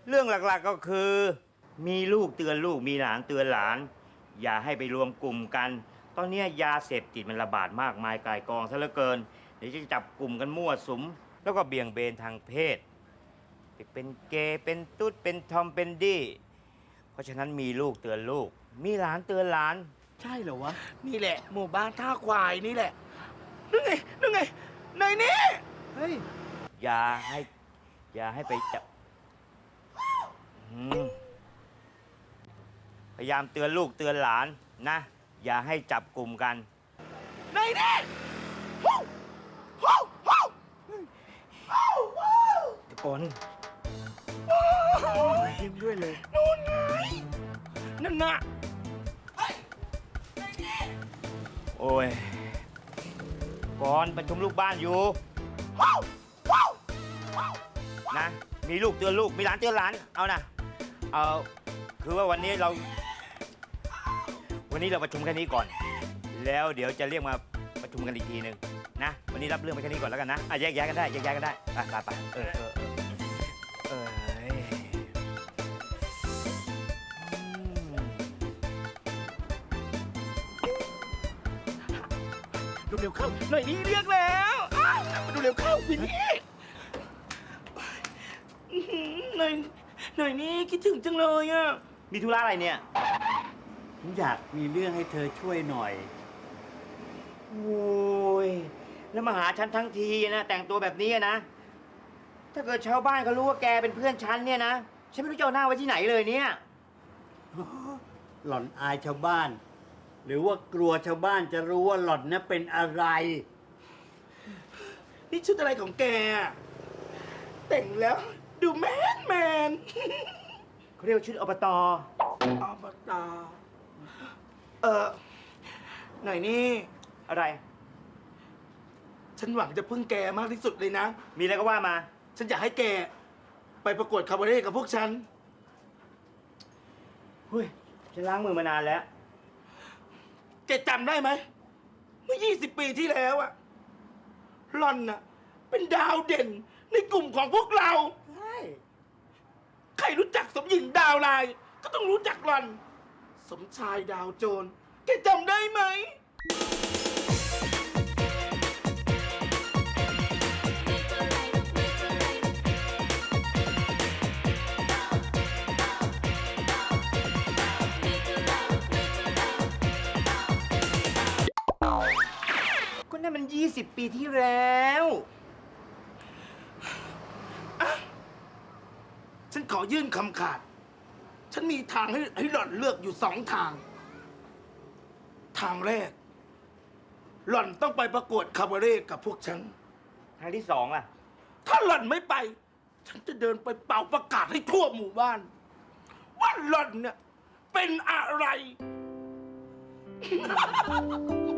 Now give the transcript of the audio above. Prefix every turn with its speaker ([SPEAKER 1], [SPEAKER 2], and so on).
[SPEAKER 1] เรื่องหลักๆก็คือ มีลูกเตือนลูกมีหลานเตือนหลาน อย่าให้ไปรวมกลุ่มกัน ตอนนี้ยาเสพติดมันระบาดมากมายก่ายกองซะเหลือเกิน เดี๋ยวจะจับกลุ่มกันมั่วสุม แล้วก็เบี่ยงเบนทางเพศเป็นเกย์เป็นตุ๊ดเป็นทอมเป็นดี้เพราะฉะนั้นมีลูกเตือนลูก มีหลานเตือนหลาน
[SPEAKER 2] ใช่เหรอวะ นี่แหละ หมู่บ้านท่าควายนี่แหละนั่นไงนั่นไงในนี้เฮ้ย
[SPEAKER 1] อย่าให้ไปจับพยายามเตือนลูกเตือนหลานนะ อย่าให้จับกลุ่มกัน
[SPEAKER 2] ในนี้ฮู้ฮู้ฮู้ฮู้ฮู้
[SPEAKER 1] ทุกคน
[SPEAKER 2] ยิ้มด้วยเลยนู่นไงนั่นน่ะ
[SPEAKER 1] โอ้ยก่อนประชุมลูกบ้านอยู่
[SPEAKER 2] ฮู้ฮู้
[SPEAKER 1] นะ มีลูกเตือนลูก มีหลานเตือนหลาน เอานะ คือว่าวันนี้เราประชุมแค่นี้ก่อน แล้วเดี๋ยวจะเรียกมาประชุมกันอีกทีหนึ่งนะ วันนี้รับเรื่องไปแค่นี้ก่อนแล้วกันนะแยกย้ายกันได้แยกย้ายกันได้ไป
[SPEAKER 2] ดูเร็วเข้าหน่อยนี้เรียกแล้วมาดูเร็วเข้าวินนี่หน่อยนี้คิดถึงจังเลยอ่ะ
[SPEAKER 1] มีธุระอะไรเนี่ย
[SPEAKER 3] ผมอยากมีเรื่องให้เธอช่วยหน่อย
[SPEAKER 1] โอ้ย แล้วมาหาฉันทั้งทีนะ แต่งตัวแบบนี้นะ ถ้าเกิดชาวบ้านเขารู้ว่าแกเป็นเพื่อนฉันเนี่ยนะ ฉันไม่รู้จะเอาหน้าไว้ที่ไหนเลยเนี่ย
[SPEAKER 3] หล่อนอายชาวบ้าน หรือว่ากลัวชาวบ้านจะรู้ว่าหล่อนน่ะเป็นอะไร
[SPEAKER 2] นี่ชุดอะไรของแกอะแต่งแล้วดูแมน
[SPEAKER 1] เขาเรียกว่าชุดอบต.
[SPEAKER 2] อบต.หน่อยนี่
[SPEAKER 1] อะไร
[SPEAKER 2] ฉันหวังจะพึ่งแกมากที่สุดเลยนะ
[SPEAKER 1] มีอะไรก็ว่ามา
[SPEAKER 2] ฉันอยากให้แกไปประกวดคาบาเร่กับพวกฉัน
[SPEAKER 1] เฮ้ย ฉันล้างมือมานานแล้ว
[SPEAKER 2] แกจำได้ไหม เมื่อ 20 ปีที่แล้วอะหล่อนน่ะ เป็นดาวเด่นในกลุ่มของพวกเรา
[SPEAKER 3] ใช่
[SPEAKER 2] ใครรู้จักสมหญิงดาวลาย ก็ต้องรู้จักหล่อน สมชายดาวโจร แกจำได้ไหม
[SPEAKER 1] ก็นั่นมัน 20 ปีที่แล้ว
[SPEAKER 2] ฉันขอยื่นคำขาด ฉันมีทางให้หล่อนเลือกอยู่2 ทาง ทางแรก หล่อนต้องไปประกวดคาบาเร่กับพวกฉัน
[SPEAKER 1] ทางที่สองล่ะ
[SPEAKER 2] ถ้าหล่อนไม่ไป ฉันจะเดินไปเป่าประกาศให้ทั่วหมู่บ้าน ว่าหล่อนเนี่ยเป็นอะไร